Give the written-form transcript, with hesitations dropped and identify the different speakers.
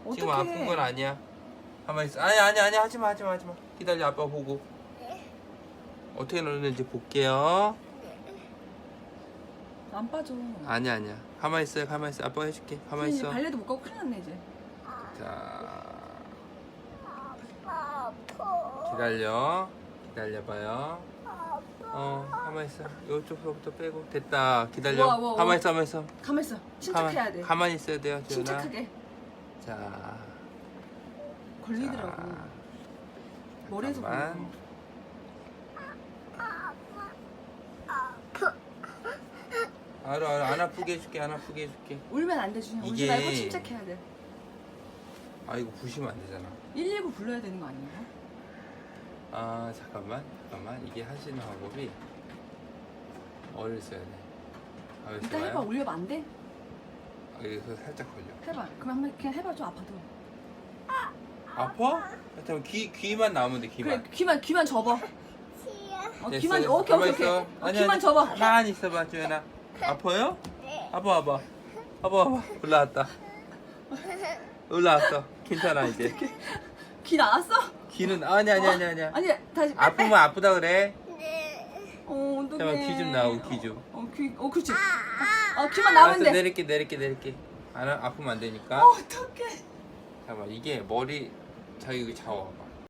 Speaker 1: 지금
Speaker 2: 어떡해.
Speaker 1: 아픈 건 아니야. 가만히 있어. 아니 하지마. 기다려, 아빠 보고. 어떻게 넣는지 볼게요.
Speaker 2: 안 빠져.
Speaker 1: 아니야. 가만히 있어. 아빠가 해줄게. 가만히
Speaker 2: 이제
Speaker 1: 있어.
Speaker 2: 발레도 못 가고 큰일 났네 이제.
Speaker 1: 자,
Speaker 3: 아파.
Speaker 1: 기다려봐요. 가만히 있어. 이쪽서부터 빼고. 됐다. 기다려.
Speaker 2: 우와.
Speaker 1: 가만히 있어.
Speaker 2: 가만 있어. 침착해야 돼.
Speaker 1: 가만히 있어야 돼요, 지훈아.
Speaker 2: 침착하게.
Speaker 1: 자,
Speaker 2: 걸리더라고.
Speaker 1: 자,
Speaker 2: 머리에서 걸려.
Speaker 1: 잠깐만. 알아. 안 아프게 해줄게.
Speaker 2: 울면 안 돼, 준이. 울지
Speaker 1: 이게-
Speaker 2: 말고 침착해야 돼.
Speaker 1: 아, 이거 부시면 안 되잖아.
Speaker 2: 119 불러야 되는 거 아니에요?
Speaker 1: 아, 잠깐만. 이게 하시는 방법이 어를 써야 돼.
Speaker 2: 일단 해봐.
Speaker 1: 좋아요.
Speaker 2: 올려봐. 안 돼?
Speaker 1: 여기서 살짝 걸려.
Speaker 2: 해봐. 그럼 한번 그냥 해봐. 좀 아파도.
Speaker 1: 아파? 잠깐 귀만 나오면 돼. 귀만.
Speaker 2: 그래, 귀만 접어.
Speaker 3: 치아.
Speaker 1: 됐어,
Speaker 2: 귀만,
Speaker 1: 됐어.
Speaker 2: 오케이.
Speaker 1: 가만히 있어.
Speaker 2: 귀만 접어.
Speaker 1: 가만히 있어봐, 주연아. 아파요?
Speaker 3: 네.
Speaker 1: 봐봐. 올라왔어. 괜찮아, 이제.
Speaker 2: 귀 나왔어?
Speaker 1: 귀는, 아니야.
Speaker 2: 아니, 다시.
Speaker 1: 아프면 아프다 그래.
Speaker 3: 네.
Speaker 2: 어떡해.
Speaker 1: 잠깐만, 귀 좀 나오고, 귀 좀.
Speaker 2: 그렇지. 귀만 나오면
Speaker 1: 알았어,
Speaker 2: 돼.
Speaker 1: 내릴게. 아프면 안 되니까.
Speaker 2: 어떡해.
Speaker 1: 잠깐만, 이게 머리, 자기 여기 잡아봐.